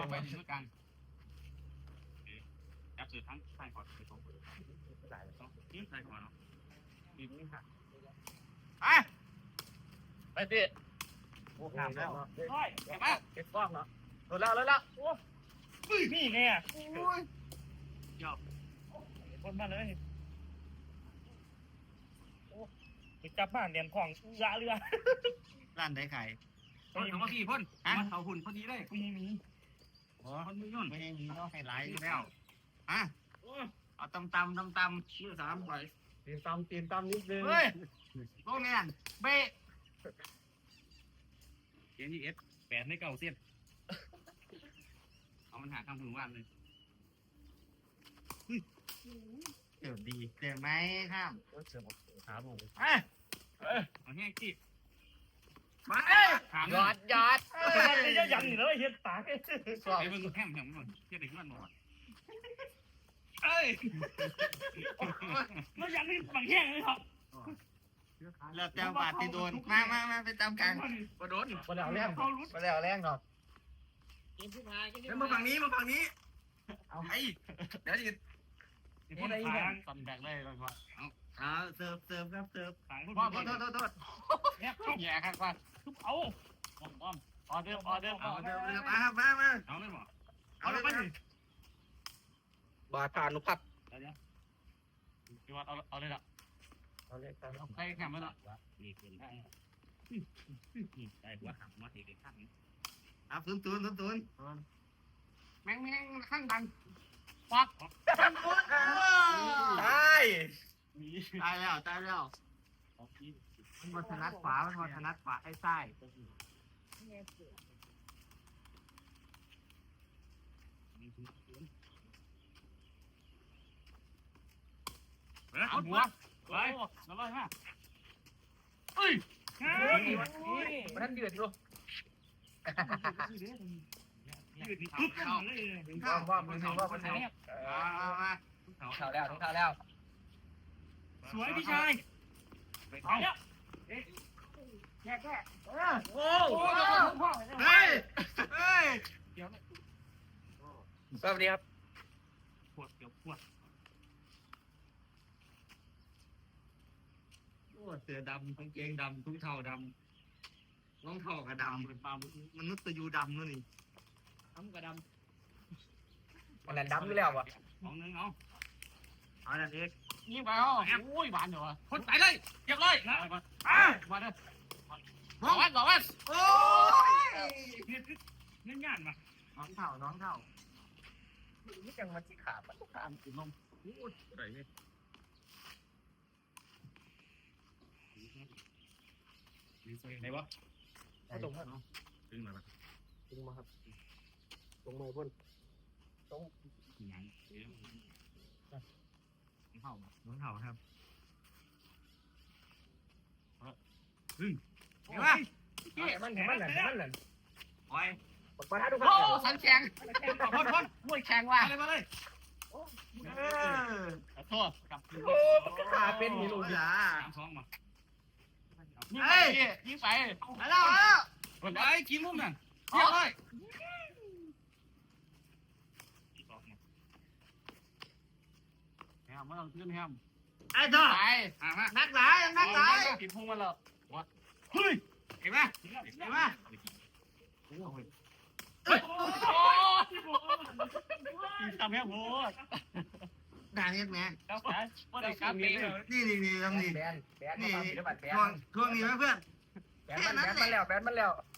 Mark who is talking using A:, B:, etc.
A: ไปด้วยกันจับสื่อทั้งใต้ขอไปตรงใต้ขอเนาะดีนี่ค่ะไปพี่โอ้ขาดแล้วโอ้ยเห็นไหมเก็บกล้องเนาะโดนแล้วโอ้นี่ไงอ่ะโอ้ยยอมคนมาเลยโอ้ไปจับบ้านเรียนของยาเรือร้านได้ไข่เขาว่าพี่พ่นมาเขาหุ่นพอดีเลยกูยังมีอ๋อคนมือย่นไม่ยังมีเนาะให้ไหลแล้วเอาตำชื่อ3ไปตีนตำนิดนึงเฮ้ยโรงเรียนเบ๊เขียนที่8ไม่เก่าเส้นเอามันหาทางถึงวันเลยเดี๋ยวดีเดี๋ยวไหมครับเสือบอกหาผมเอาแห้งจีบมายอดมันจะยังอยู่เลยเห็นปากไอ้มึงแห้งมันเทียบเด็กมันหมดเอ้ยมันยังนี่บางแห้งเลยครับแล้วเจ้าบาดที่โดนมาไปตามกลางมาโดนมาแล้วแรงหรอกมาฝั่งนี้เอาไอ้เดี๋ยวจะพูดอะไรอีกตำแดงเลยก่อนเสิร์ฟครับเสิร์ฟโทษแย่ครับว่าเอาออเดอร์มาเลยหรอเอาเลยไปบาทผ่านนุพับพี่วัดเอาเลยล่ะเอาเลยใครแข่งมาล่ะนี่เกินได้ได้หัวหักมาทีเดียวข้างฟื้นแม่งข้างดังปักตายแล้วมันถนัดขวาไอ้ไส้เอาหัวไปแล้วเลยฮะเอ้ยมันเดือดอยู่ว่ามันข่าวแล้วสวยพี่ชายเอาแล้วแค่โอ้เฮ้ยเดี๋ยวสวัสดีครับปวดเสือดำกางเกงดำทุ่งเท้าดำรองเท้าก็ดำเป็นปลามนุษย์ตะยูดำนู่นนี่ทำก็ดำมันดำอยู่แล้ววะของนึงเอาดันเอกยิงไปอ๋อโอ้ยหวานเหรอคนไปเลยเก็บเลยนะมาเด้อบอกว่าโอ้ยงานมาน้องเท้านี่จังมันที่ขาปัดตามกินนมโอ้ยอะไรเนี่ยไหนวะตรงครับดึงมาครับตรงมือพ่นตรงไหนน้องเห่าครับเห็นไหมมันโอ้ยปะทะดูครับโอ้สันแข็งพ่นมวยแข็งว่ะมาเลยขอโทษกับโอ้ขาเป็นมีลูกยา2มายิงไปแล้วไปกินมุมนั่นเยอะเลยแฮมมาลองขึ้นแฮมไอ้ต่อนักหลายกินพุงมาแล้ววะเฮ้ยเห็นไหมโอ้ยทำแฮมโหดด่าเนี่ยแม่ว่าได้การปีนี่ทำนี่แบนช่วงนี้ไหมเพื่อนแบนมันแล้ว